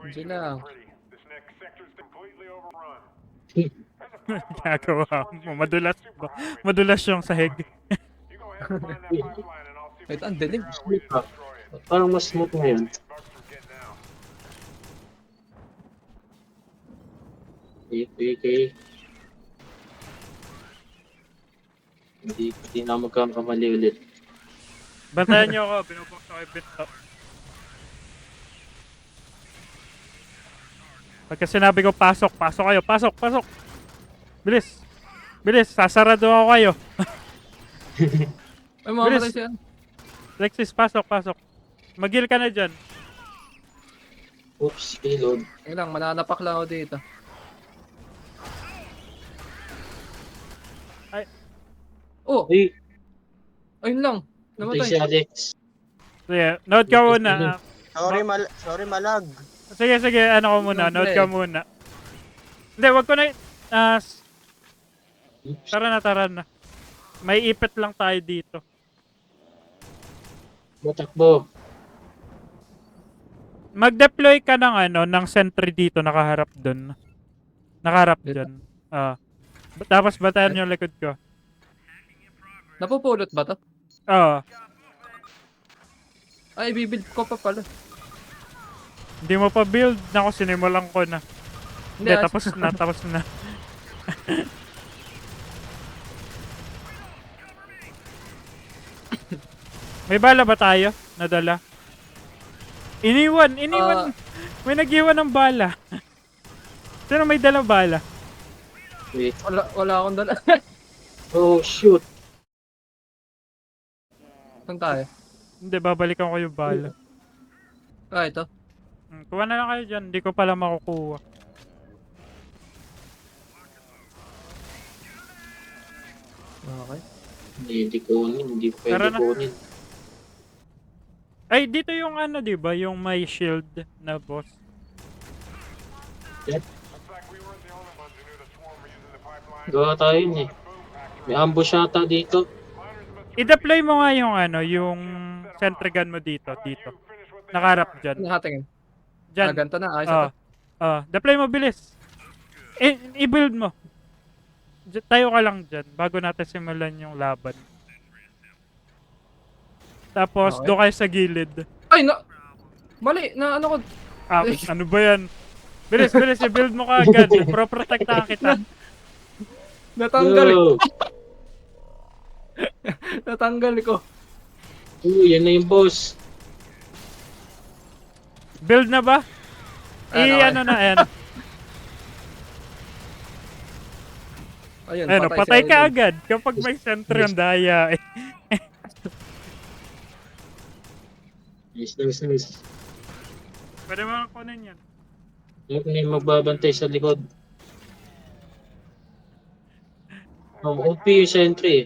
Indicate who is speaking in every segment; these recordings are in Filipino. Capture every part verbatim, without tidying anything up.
Speaker 1: Diyan lang.
Speaker 2: Ginagawa mo. Madulas ba? Madulas yung sahig.
Speaker 1: Ito, ang dilim.
Speaker 3: Smooth ba? Parang mas smooth ngayon. Okay, okay, okay. Hindi, hindi na magkakamali ulit.
Speaker 2: Bantayan niyo ako. Binubok ako yung binto. Pagka sinabi ko pasok, pasok kayo. Pasok, pasok. Bilis. Bilis. Sasarado ako kayo.
Speaker 1: Ay, mamamatay
Speaker 2: Bilis.
Speaker 1: siya.
Speaker 2: Lexis, pasok, pasok. Magil ka na dyan.
Speaker 3: Oops, payload.
Speaker 1: Ayun lang, mananapak lang ako dito.
Speaker 2: Ay.
Speaker 1: Oh,
Speaker 3: Uy,
Speaker 1: ayun lang.
Speaker 3: patay si
Speaker 1: Namatay.
Speaker 3: Alex.
Speaker 2: Sige, note ka muna.
Speaker 4: Sorry, mal sorry malag.
Speaker 2: Sige, sige, ano ko muna,
Speaker 1: Note
Speaker 2: note
Speaker 1: na
Speaker 2: ka
Speaker 1: eh.
Speaker 2: muna. Hindi, wag ko na, ah, s-
Speaker 3: Oops.
Speaker 2: tara na, tara na. May ipit lang tayo dito.
Speaker 3: Matakbo.
Speaker 2: Mag-deploy ka ng ano, ng sentry dito, nakaharap dun. Nakaharap
Speaker 1: Dito?
Speaker 2: dyan. Ah. Ba- Tapos batayan yung likod ko.
Speaker 1: Napupulot ba to?
Speaker 2: Oo.
Speaker 1: Ay, bibuild ko pa pala.
Speaker 2: Hindi mo pa build. Nako, sinimulan ko na. Hindi,
Speaker 1: ah,
Speaker 2: tapos na, tapos na. May bala ba tayo? Nadala? Iniwan, iniwan.
Speaker 1: Ah.
Speaker 2: May nag-iwan ng bala. Sino may dala bala?
Speaker 3: Wait.
Speaker 1: Wala, wala akong dala.
Speaker 3: Oh, shoot.
Speaker 1: Saan tayo?
Speaker 2: Hindi, babalikan ko yung bala.
Speaker 1: Ah, ito.
Speaker 2: Hmm, kuha na lang kayo dyan. Hindi ko pala makukuha.
Speaker 1: Okay.
Speaker 3: Hindi, hindi kunin. Hindi
Speaker 2: Tara
Speaker 3: pwede
Speaker 2: na.
Speaker 3: kunin.
Speaker 2: Ay, dito yung ano, di ba? Yung may shield na boss.
Speaker 3: Gawa tayo yun eh. May ambush yata dito.
Speaker 2: I-deploy mo nga yung ano, yung sentry gun mo dito, dito. Nakaharap dyan.
Speaker 1: Ano natin? Ah,
Speaker 2: Dyan.
Speaker 1: ganito na. Ayos na
Speaker 2: Ah,
Speaker 1: to.
Speaker 2: ah, deploy mo, bilis. I- i-build mo. Diyan- tayo ka lang dyan bago natin simulan yung laban. Tapos,
Speaker 1: Okay.
Speaker 2: doon kayo sa gilid.
Speaker 1: Ay, na... Mali, na ano ko...
Speaker 2: Ah, ano ba yan? Bilis, bilis, i-build mo ka agad. Pro-protectahan kita.
Speaker 1: Natanggal eh.
Speaker 3: Yo!
Speaker 1: Natanggal ko.
Speaker 3: Oh, yan na yung boss.
Speaker 2: Build na ba?
Speaker 1: Ayan,
Speaker 2: I,
Speaker 1: okay.
Speaker 2: ano na, ayan.
Speaker 1: Ayun,
Speaker 2: Ano,
Speaker 1: patay,
Speaker 2: patay
Speaker 1: si
Speaker 2: ka
Speaker 1: Aiden.
Speaker 2: agad kapag may sentry ang daya. Eh.
Speaker 3: Nice, nice, nice.
Speaker 2: Pwede mo kunin yan.
Speaker 3: Huwag na yung magbabantay sa likod. Oh, O P yung sentry eh.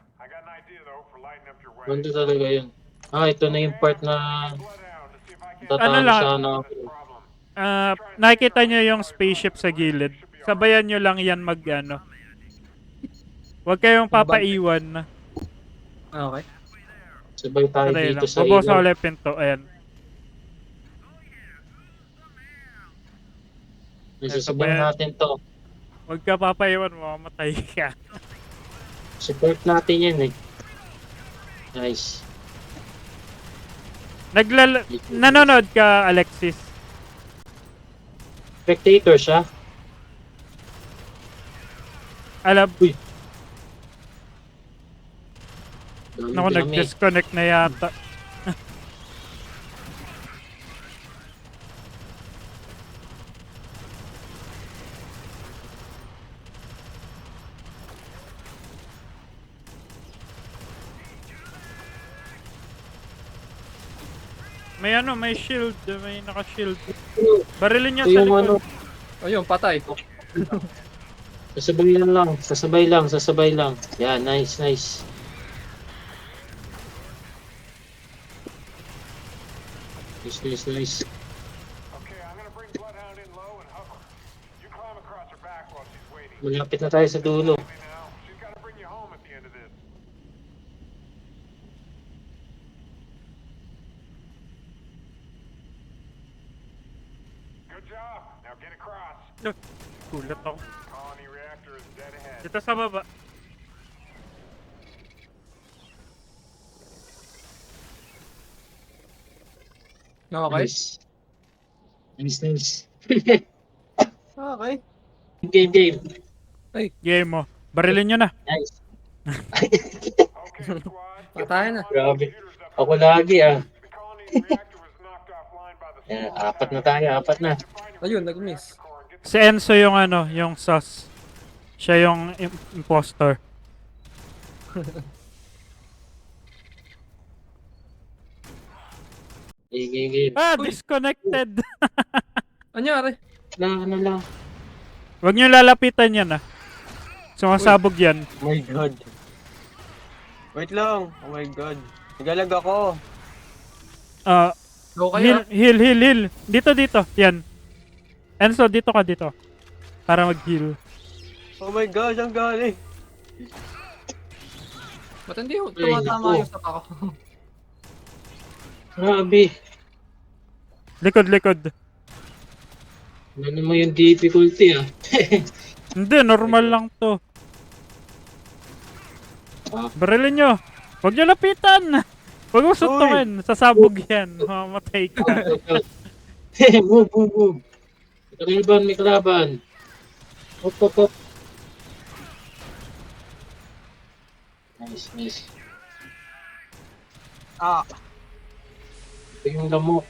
Speaker 3: Ganda talaga yun. Ah, ito na yung part na
Speaker 2: Ano
Speaker 3: tatalo
Speaker 2: lang,
Speaker 3: sana ako.
Speaker 2: ah, nakikita nyo yung spaceship sa gilid. Sabayan nyo lang yan mag, ano. Huwag kayong papaiwan.
Speaker 1: Okay.
Speaker 3: Sabay tayo
Speaker 2: Patay
Speaker 3: dito
Speaker 2: lang.
Speaker 3: sa
Speaker 2: Bubukas
Speaker 3: ilaw.
Speaker 2: ulit pinto. Ayan.
Speaker 3: Nasasabay
Speaker 2: Sabayan.
Speaker 3: natin to.
Speaker 2: Huwag ka papaiwan, mamamatay ka.
Speaker 3: Support natin yan eh. Nice.
Speaker 2: Naglala... Nanonood ka, Alexis?
Speaker 3: Spectator siya.
Speaker 2: Alam,
Speaker 3: Uy. Dami,
Speaker 2: naku,
Speaker 3: dami.
Speaker 2: nag-disconnect na yata. May ano, may shield. May naka-shield. Barilin niya
Speaker 3: Ito
Speaker 2: sa
Speaker 3: yung ano.
Speaker 2: likod.
Speaker 1: Ayun, patay.
Speaker 3: Sasabay lang lang. Sasabay lang. Sasabay lang. Yan, nice, nice. Nice, nice, nice. Malapit na tayo sa dulo.
Speaker 2: No, gulat ako. Dito sa baba.
Speaker 1: Okay.
Speaker 3: Nice. Nice, nice.
Speaker 1: Okay.
Speaker 3: Game, game.
Speaker 2: Game mo. Barilin nyo na.
Speaker 3: Nice.
Speaker 1: Patayin na.
Speaker 3: Grabe. Ako lagi ah. Yan, apat na tayo, apat na.
Speaker 1: Ayun, nag-miss.
Speaker 2: Si Enzo yung ano, yung sus. Siya yung im- imposter.
Speaker 3: Game, game, game.
Speaker 2: Ah,
Speaker 1: Uy.
Speaker 2: disconnected.
Speaker 1: Anyari?
Speaker 3: Lang, ano lang.
Speaker 2: Huwag nyo lalapitan yan ah. Sumasabog yan.
Speaker 4: Oh my god. Wait lang. Oh my god. Nagalag ako.
Speaker 2: Ah,
Speaker 1: Go
Speaker 2: heal,
Speaker 1: kayo.
Speaker 2: heal, heal, heal. Dito, dito. Yan. Enzo, dito ka dito. Para mag-heal.
Speaker 4: Oh my god, ang galing.
Speaker 1: Ba't hindi
Speaker 3: Ay,
Speaker 1: tumatama
Speaker 3: naku.
Speaker 1: yung sapa ko?
Speaker 3: Grabe.
Speaker 2: Likod, likod.
Speaker 3: Ano mo yung difficulty ah.
Speaker 2: Hindi, normal lang to.
Speaker 3: Ah.
Speaker 2: Barilin nyo. Huwag nyo lapitan. Huwag mo suntukin. Sasabog yan. Mamatay ka.
Speaker 3: move, move, move. May kalaban, may kalaban. Hop, hop, hop. Nice, nice.
Speaker 4: Ah.
Speaker 3: Ito yung lamok.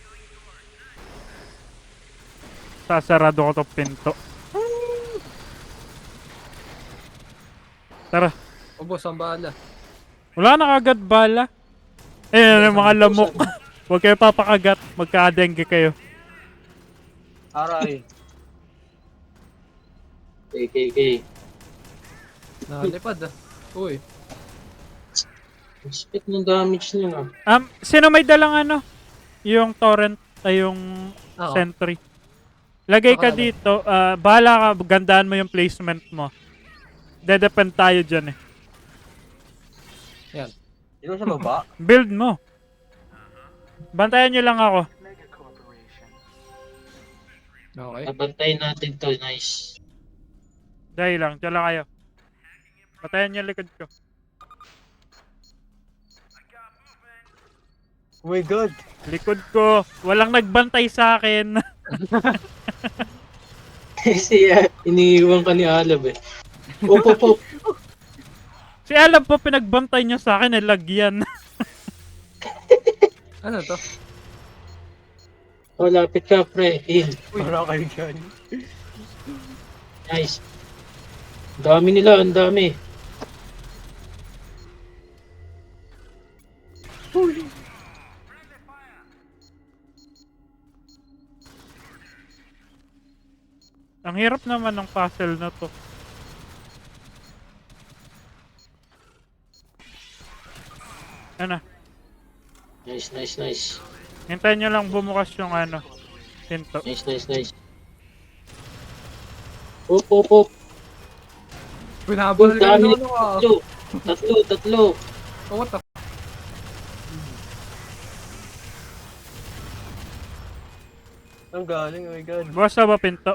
Speaker 2: Sasarado ko to pinto. Tara.
Speaker 1: Ubos ang bala.
Speaker 2: Wala na kagad bala. Eh, yung mga lamok. Huwag kayo papakagat. Magka-dengue kayo.
Speaker 4: Aray.
Speaker 3: Okay, okay, okay.
Speaker 1: Nakalipad ah. Uy.
Speaker 3: Respect ng damage niya ah.
Speaker 2: Um, sino may dalang ano? Yung torrent ay yung
Speaker 1: Ako.
Speaker 2: sentry. Lagay ka
Speaker 1: Baka
Speaker 2: dito. ah, bahala ka. Gandaan mo yung placement mo. Dedepend tayo dyan eh.
Speaker 1: Yan.
Speaker 4: Dito sa baba.
Speaker 2: Build mo. Bantayan nyo lang ako.
Speaker 1: Okay.
Speaker 3: Nabantayin natin to, nice.
Speaker 2: Dahil lang. Diyan lang kayo. Bantayan nyo likod ko.
Speaker 4: Oh my god.
Speaker 2: Likod ko. Walang nagbantay sa akin.
Speaker 3: Kasi uh, iniiwan ka ni Alab eh. Op, op, op.
Speaker 2: Si alam po pinagbantay nyo sa akin eh. Lagyan.
Speaker 1: Ano to?
Speaker 3: Oh, lapit ka, pre. Heal.
Speaker 4: Para kayo dyan.
Speaker 3: Nice. Ang dami nila, ang dami.
Speaker 2: Ang hirap naman ng puzzle na to. Ano?
Speaker 3: Nice, nice, nice.
Speaker 2: Hintayin nyo lang bumukas yung ano. Pinto.
Speaker 3: Nice, nice, nice. Op, op, op.
Speaker 1: Pinabal
Speaker 3: Ang
Speaker 1: ka
Speaker 3: dami.
Speaker 1: ano ah.
Speaker 3: Tatlo. Tatlo, tatlo.
Speaker 1: Oh, what the f-
Speaker 4: Ang galing, oh my god.
Speaker 2: Bukas na ba pinto?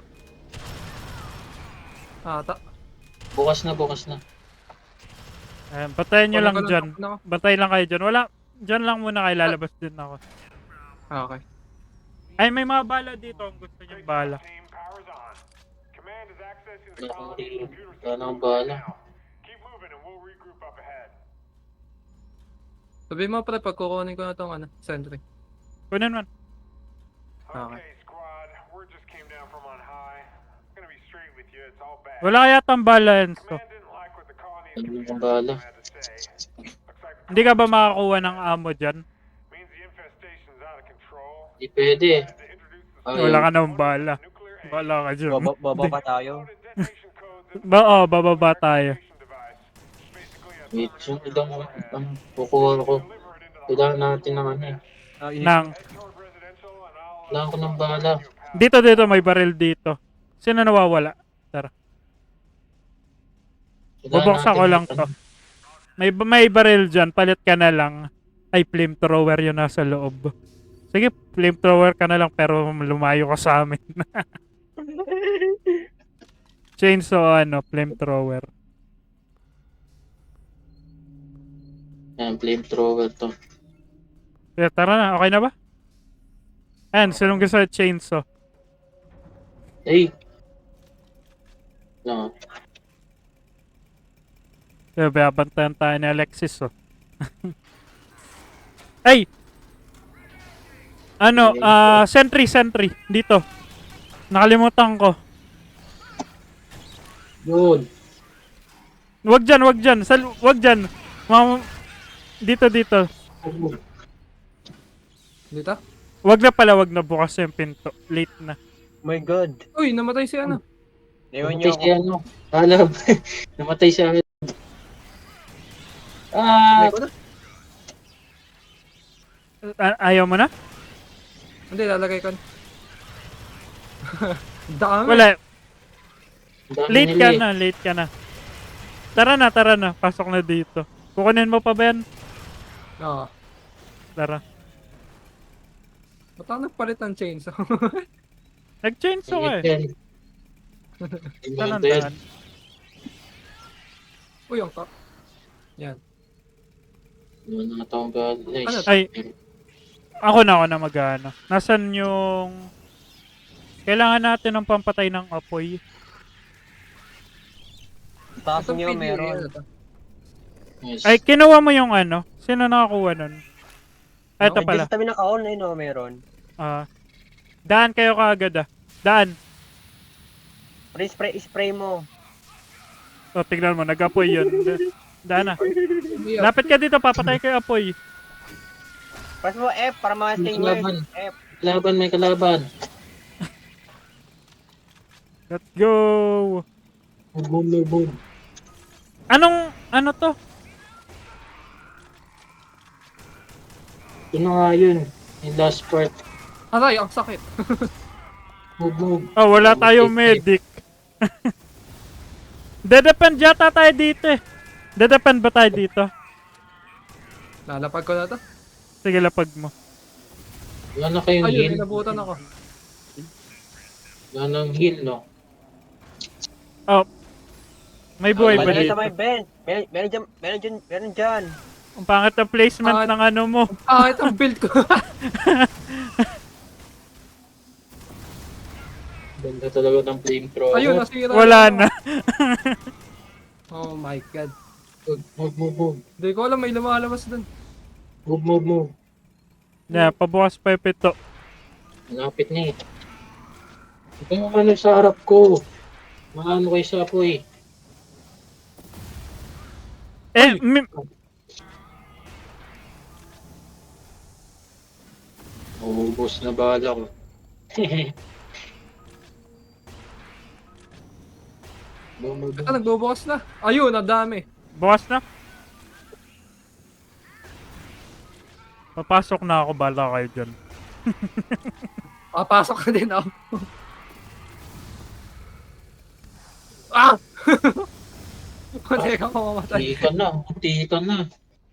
Speaker 1: Ata.
Speaker 3: Bukas na, bukas na.
Speaker 2: Ayan, batayan nyo lang
Speaker 1: Wala ka
Speaker 2: dyan.
Speaker 1: lang, ako.
Speaker 2: Batay lang kayo dyan. Wala. Dyan lang muna kayo. Lalabas din ako.
Speaker 1: Ah, okay.
Speaker 2: Ay, may mga bala dito. Kung gusto nyo bala.
Speaker 3: Wala akong rin. Wala na akong bahala.
Speaker 1: Sabi mo pre, pag kukunin ko na tong ano, sentry.
Speaker 2: Kunin man.
Speaker 1: Okay.
Speaker 2: Wala kaya tang bala, Enzo.
Speaker 3: Ano na akong bahala.
Speaker 2: Hindi ka ba makakuha ng ammo dyan?
Speaker 3: Hindi pwede eh. Ayaw.
Speaker 2: Wala ka ng bala. Wala ka dyan.
Speaker 4: Baba, baba pa tayo.
Speaker 2: Ba, oh, bababa tayo.
Speaker 3: Wait, yung ilang ang kukuha ko. Kailangan natin ng ano eh.
Speaker 4: Ah, i-
Speaker 2: Nang.
Speaker 3: Kailangan ko ng bala.
Speaker 2: Dito, dito. May baril dito. Sino nawawala? Tara.
Speaker 3: Kailangan
Speaker 2: Bubuksan
Speaker 3: natin
Speaker 2: ko lang
Speaker 3: ng-
Speaker 2: to. May, may baril dyan. Palit ka na lang. Ay, flamethrower yun nasa loob. Sige, flamethrower ka na lang pero lumayo ka sa amin. Chainsaw ano, flamethrower.
Speaker 3: Yan, flamethrower to.
Speaker 2: Kaya tara na, okay na ba? Ayan, sinong gusto sa chainsaw?
Speaker 3: Ay! No.
Speaker 2: Kaya babantayan tayo ni Alexis, oh. Ay! Ano, ah, sentry, sentry. Dito. Nakalimutan ko.
Speaker 3: Yun.
Speaker 2: Wag dyan, wag dyan. Sal wag dyan. Mam dito, dito.
Speaker 1: Dito?
Speaker 2: Wag na pala, wag na bukas yung pinto. Late na.
Speaker 4: Oh my god.
Speaker 1: Uy, namatay si ano.
Speaker 4: Ewan niyo
Speaker 3: Namatay si
Speaker 4: ako.
Speaker 3: ano. Alam. Namatay siya. Ah!
Speaker 1: Hindi ko na.
Speaker 2: A- ayaw mo na?
Speaker 1: Hindi, lalagay ko na. Dami.
Speaker 2: Wala.
Speaker 3: Ang dami
Speaker 2: Late
Speaker 3: nila
Speaker 2: ka
Speaker 3: eh.
Speaker 2: na, late ka na. Tara na, tara na. Pasok na dito. Kukunin mo pa ba yan?
Speaker 1: Oo.
Speaker 2: Tara.
Speaker 1: Ba't ako nagpalit ng chainsaw?
Speaker 2: Nag-chainsaw ka
Speaker 3: Ingat
Speaker 2: eh.
Speaker 3: yan.
Speaker 2: Saan ang
Speaker 3: Ingat yan.
Speaker 2: daan?
Speaker 1: Uy, ang ka. Yan.
Speaker 3: Ano na taong God.
Speaker 1: Ano?
Speaker 3: Nice.
Speaker 2: Ay, ako na, ako na mag-ano. Nasaan yung... Kailangan natin ng pampatay ng apoy.
Speaker 4: Taas
Speaker 1: Itong
Speaker 4: niyo
Speaker 1: P D A,
Speaker 4: meron.
Speaker 1: ano to?
Speaker 3: Nice.
Speaker 2: Ay, kinuha mo yung ano? Sino nakakuha nun? Ah, ito
Speaker 4: Ay,
Speaker 2: pala.
Speaker 4: dito sa tabi naka-on eh, no, meron.
Speaker 2: Ah. Daan kayo kaagad ah. Daan.
Speaker 4: Spray, spray, spray mo.
Speaker 2: O, tignan mo, nag-apoy yun. Da- Daan na.
Speaker 1: Hindi, ah.
Speaker 2: Lapit ka dito, papatay kayo apoy.
Speaker 4: Press mo F para mga
Speaker 3: May
Speaker 4: stingers.
Speaker 3: kalaban.
Speaker 4: F.
Speaker 3: Kalaban, may kalaban.
Speaker 2: Let's go!
Speaker 3: Boom, boom, boom, boom.
Speaker 2: Anong, ano to?
Speaker 3: Ito na nga yun. Yung last part.
Speaker 1: Aray, ang sakit.
Speaker 3: Boom, boom.
Speaker 2: Oh, wala tayong medic. Dedepend yata tayo dito eh. Dedepend ba tayo dito?
Speaker 1: Lalapag ko na to.
Speaker 2: Sige, lapag mo.
Speaker 3: Wala na kayong
Speaker 1: Ayun,
Speaker 3: heal.
Speaker 1: inabutan ako.
Speaker 3: Wala nang heal, no?
Speaker 2: Oh. May buhay ba
Speaker 4: Malagay
Speaker 2: dito?
Speaker 4: sa may bench. Meron, meron dyan, meron dyan, meron dyan.
Speaker 2: Ang pangit ng placement
Speaker 1: Ah,
Speaker 2: ng ano mo.
Speaker 1: Ah, ito ang build ko.
Speaker 3: Ganda talaga ng flamethrower.
Speaker 1: Ayun, nasira.
Speaker 2: Wala
Speaker 1: yung-
Speaker 2: na.
Speaker 1: Oh my god.
Speaker 3: Move, move, move, move.
Speaker 1: Hindi ko alam, may lumalabas dun.
Speaker 3: Move, move, move.
Speaker 2: Na, pabukas pa yung pito.
Speaker 3: Malapit na eh. Ito yung ano sa harap ko. Maano kayo sa apoy.
Speaker 2: Eh, mi-
Speaker 3: Uubos na bala ko. Boom, boom,
Speaker 1: Ito,
Speaker 3: boom.
Speaker 1: nagbubukas na. Ayun, ang dami.
Speaker 2: bukas na. Papasok na ako, bala kayo dyan.
Speaker 1: Papasok ka din ako. Ah! Hindi ka mamamatay.
Speaker 3: Hindi ka na. Hindi ka na.